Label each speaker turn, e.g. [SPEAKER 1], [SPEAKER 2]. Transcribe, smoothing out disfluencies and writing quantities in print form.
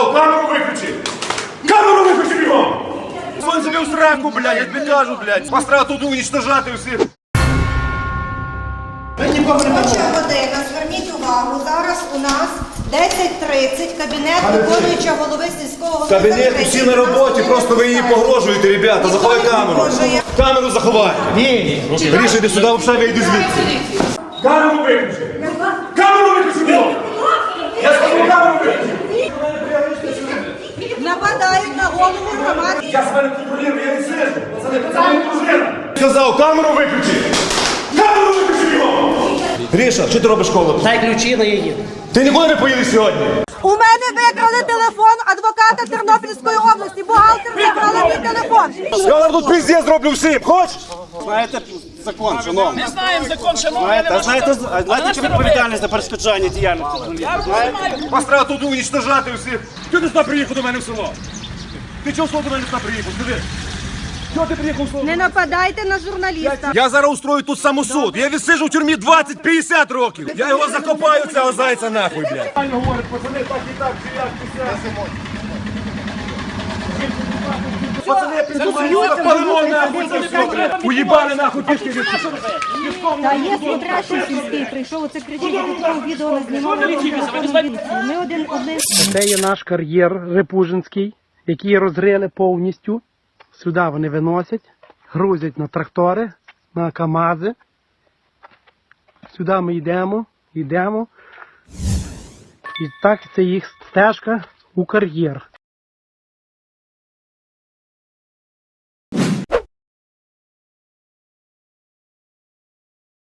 [SPEAKER 1] Сказав, камеру виключи! Камеру виключи бігом! Сон собі в сраку, блядь, я тобі кажу, блядь. Вас треба тут уничтожати всіх.
[SPEAKER 2] Робоча година, зверніть увагу, зараз у нас 10:30, кабінет виконуючого голови сільського голови.
[SPEAKER 1] Кабінет усі на роботі, просто ви її погрожуєте, ребята, заховай камеру. Камеру заховай. Ні. Гріша, йди сюди, взагалі вийди звідси. Камеру виключи. Камеру виключи, бігом. Я сказав, камеру виключи.
[SPEAKER 2] Нападають на голову громади.
[SPEAKER 1] Я себе не контролюю, я не сижу. Це не дружина. Сказав, камеру виключи. Камеру виключи, бігом. Гріша, що ти робиш коло?
[SPEAKER 3] Дай ключі, на її.
[SPEAKER 1] Ти нікуди не поїдеш сьогодні?
[SPEAKER 2] У мене викрали телефон адвоката Тернопільської області. Бухгалтер викрали мій телефон.
[SPEAKER 1] Я вам тут пиздец зроблю всім, хочеш?
[SPEAKER 4] Знаєте закон, шановні?
[SPEAKER 3] Ми знаємо закон, шановні.
[SPEAKER 4] Знаєте, чи відповідальність за перешкоджання діяльності журналістів?
[SPEAKER 1] Вас треба тут уничтожати всіх. Чого ти сюди приїхав до мене в село? Ти чого до мене сюди приїхав? Скажи. Чого ти приїхав в село?
[SPEAKER 2] Не нападайте на журналіста.
[SPEAKER 1] Я зараз устрою тут самосуд. Я відсиджу в тюрмі 20-50 років. Я його закопаю, цього зайця нахуй, блядь. Говорить, пацани, так і так, пацани, підсумуються, палимо нахуй це все. Уїбали нахуй пішки від
[SPEAKER 5] Та є смотрящий сільський, прийшов, оце кричить, я такого відео не знімали. Ми один.
[SPEAKER 3] Це є наш кар'єр Репужинський, який розрили повністю. Сюди вони виносять, грузять на трактори, на КАМАЗи. Сюди ми йдемо. І так це їх стежка у кар'єр.